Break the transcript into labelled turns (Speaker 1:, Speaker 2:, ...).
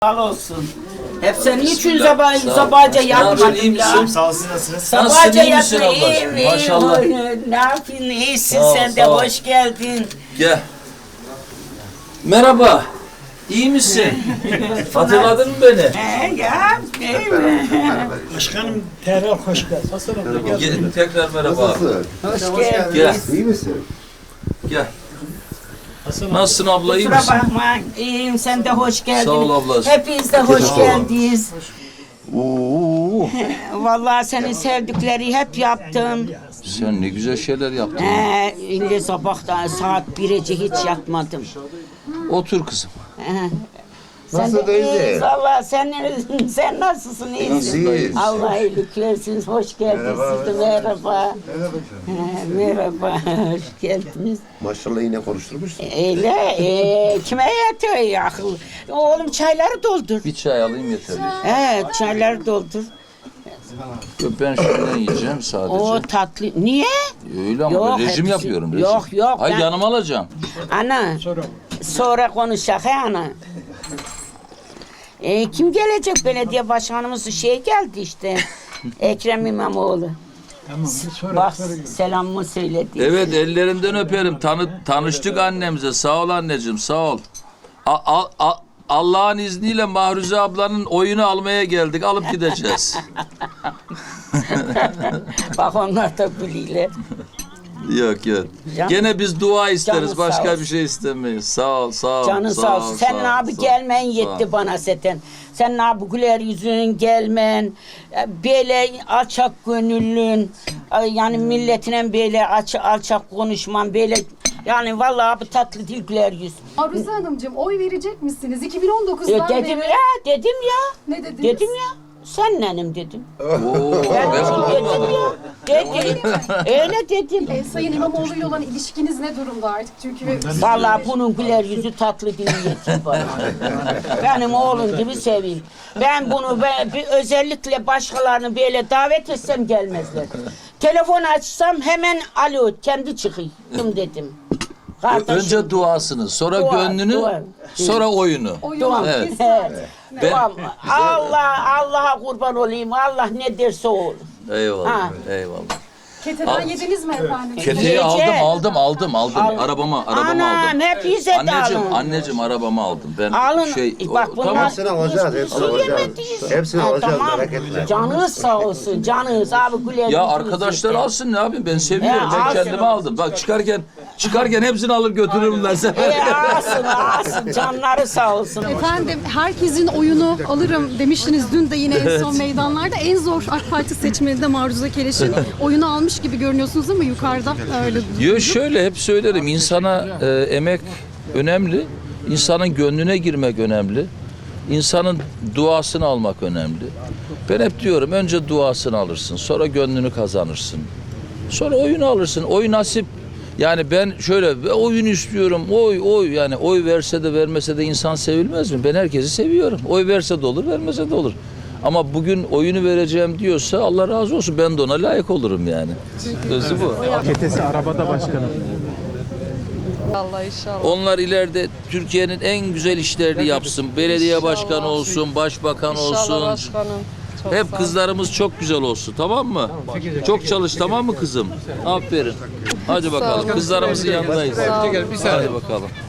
Speaker 1: Sağ olsun. Hep sen niçin sabahca yapmadın ya?
Speaker 2: Sağ olsun, nasılsınız?
Speaker 1: Sabahca
Speaker 3: iyi misin
Speaker 1: yaptın.
Speaker 3: abla?
Speaker 1: İyiyim, iyiyim.
Speaker 3: Maşallah.
Speaker 1: Ne yapıyorsun? İyisin
Speaker 3: Sağ ol,
Speaker 1: sen de.
Speaker 3: sağ ol.
Speaker 1: Hoş geldin.
Speaker 3: Gel. Merhaba. İyi misin? Hatırladın mı beni?
Speaker 1: Ya, iyi mi?
Speaker 4: Başkanım tekrar hoş geldin.
Speaker 3: Tekrar merhaba abi.
Speaker 1: Hoş geldin.
Speaker 3: Gel.
Speaker 5: İyi misin?
Speaker 3: Gel. Nasılsın abla, iyi
Speaker 1: Kusura
Speaker 3: misin?
Speaker 1: bakma. İyiyim, sen de hoş geldin.
Speaker 3: Sağ ol ablacığım.
Speaker 1: Hepiniz de hoş geldiniz.
Speaker 5: Oo.
Speaker 1: Vallahi senin sevdikleri hep yaptım.
Speaker 3: Sen ne güzel şeyler yaptın.
Speaker 1: İlle sabahtan saat 1'e hiç yatmadım.
Speaker 3: Otur kızım.
Speaker 5: Nasıl
Speaker 1: Sen de
Speaker 5: teyze?
Speaker 1: iyiyiz valla. Sen nasılsın? İyisin.
Speaker 5: İyiyiz.
Speaker 1: Allah iyilik versin. Hoş geldiniz. Siz de merhaba. Merhaba. Hoş geldiniz.
Speaker 5: Maşallah yine konuşturmuşsun.
Speaker 1: Öyle. Kime yetiyor ya? Oğlum çayları doldur.
Speaker 3: Bir çay alayım yeter.
Speaker 1: Evet çayları doldur.
Speaker 3: Ben şundan yiyeceğim sadece.
Speaker 1: O tatlı. Niye?
Speaker 3: Öyle ama
Speaker 1: Yok,
Speaker 3: ben rejim
Speaker 1: hepsi-
Speaker 3: yapıyorum. Rejim.
Speaker 1: Yok,
Speaker 3: Ay
Speaker 1: ben-
Speaker 3: yanıma alacağım.
Speaker 1: Ana. Sonra konuşacak he ana. Kim gelecek? Belediye başkanımız geldi işte. Ekrem İmamoğlu. Bak selamımı söyledi.
Speaker 3: Evet, ellerinden öperim. Tanıştık annemize. Sağ ol anneciğim, sağ ol. Allah'ın izniyle Mahruze ablanın oyunu almaya geldik. Alıp gideceğiz.
Speaker 1: Bak onlar da biliyorlar.
Speaker 3: Yok yok.
Speaker 1: Can-
Speaker 3: Gene biz dua isteriz.
Speaker 1: Canın sağ
Speaker 3: Başka
Speaker 1: olsun.
Speaker 3: bir şey istemeyiz. Sağ ol, sağ ol.
Speaker 1: Canın sağ olsun. Sen
Speaker 3: ol,
Speaker 1: abi
Speaker 3: sağ ol.
Speaker 1: gelmen
Speaker 3: Sağ
Speaker 1: yetti
Speaker 3: ol.
Speaker 1: bana zaten. Sen abi güler yüzün gelmen. Böyle alçak gönüllün. Yani milletine böyle alçak konuşman. Böyle yani vallahi abi tatlı dil güler yüz.
Speaker 6: Arzuze Hanımcığım oy verecek misiniz? 2019'dan
Speaker 1: Dedim
Speaker 6: beri.
Speaker 1: ya, dedim ya.
Speaker 6: Ne dediniz?
Speaker 1: Dedim ya. Senlenim dedim.
Speaker 3: Oo,
Speaker 1: Ben
Speaker 3: ben bunu
Speaker 1: dedim
Speaker 3: duymadım.
Speaker 1: ya. Dedim. Öyle dedim.
Speaker 6: Sayın İmamoğlu ile olan ilişkiniz ne durumda artık? Çünkü
Speaker 1: Vallahi bunun güler yüzü tatlı dili yetim bana. Benim oğlum gibi seveyim. Ben bunu bir özellikle başkalarını böyle davet etsem gelmezler. Telefon açsam hemen alo kendi çıkayım dedim. Kardeşim,
Speaker 3: Önce duasını, sonra
Speaker 1: Dua,
Speaker 3: gönlünü,
Speaker 1: dua.
Speaker 3: sonra oyunu.
Speaker 1: duam.
Speaker 3: Evet.
Speaker 1: Evet.
Speaker 3: Ben-
Speaker 1: Duam. Allah'a kurban olayım. Allah ne derse o olur.
Speaker 3: Eyvallah,
Speaker 1: Ha.
Speaker 3: eyvallah.
Speaker 6: keteden yediniz mi efendim?
Speaker 3: Keteyi
Speaker 1: Yiyeceğim.
Speaker 3: aldım. Arabama
Speaker 1: Anam
Speaker 3: aldım.
Speaker 1: hep bize de alın.
Speaker 3: Anneciğim arabamı aldım. Ben
Speaker 1: Alın. Bak bunlar-
Speaker 3: tamam.
Speaker 5: Hepsini alacağız, hepsini alacağız. Hepsini alacağız,
Speaker 1: Tamam.
Speaker 5: merak etme.
Speaker 1: Canınız sağ olsun. Canınız abi güler
Speaker 3: Ya
Speaker 1: yüzünüz
Speaker 3: arkadaşlar
Speaker 1: yeter.
Speaker 3: alsın ne yapayım, ben seviyorum.
Speaker 1: Ya,
Speaker 3: Ben
Speaker 1: alsın.
Speaker 3: kendime aldım. Bak çıkarken hepsini alır götürürüm ben sana.
Speaker 1: Alsın. Canları sağ olsun.
Speaker 6: Efendim herkesin oyunu alırım demiştiniz dün de yine en son meydanlarda. En zor AK Parti seçmeninde Mahruze Keleş'in oyunu almış gibi görünüyorsunuz ama yukarıda öyle.
Speaker 3: Yo şöyle hep söylerim, insana emek önemli, insanın gönlüne girmek önemli, insanın duasını almak önemli. Ben hep diyorum önce duasını alırsın, sonra gönlünü kazanırsın, sonra oyunu alırsın. Oy nasip. Yani ben şöyle oyun istiyorum, oy yani oy verse de vermese de insan sevilmez mi? Ben herkesi seviyorum. Oy verse de olur, vermese de olur. Ama bugün oyunu vereceğim diyorsa Allah razı olsun, ben de ona layık olurum yani. Sözü bu.
Speaker 4: Ketesi arabada başkanım.
Speaker 7: Allah inşallah.
Speaker 3: Onlar ileride Türkiye'nin en güzel işlerini yapsın. Belediye başkanı olsun, başbakan
Speaker 7: İnşallah
Speaker 3: olsun.
Speaker 7: başkanım. Çok
Speaker 3: Hep
Speaker 7: sağ ol.
Speaker 3: kızlarımız çok güzel olsun, tamam mı? Çok çalış, tamam mı kızım? Aferin. Hadi bakalım. Kızlarımızın yanındayız. Hadi bakalım.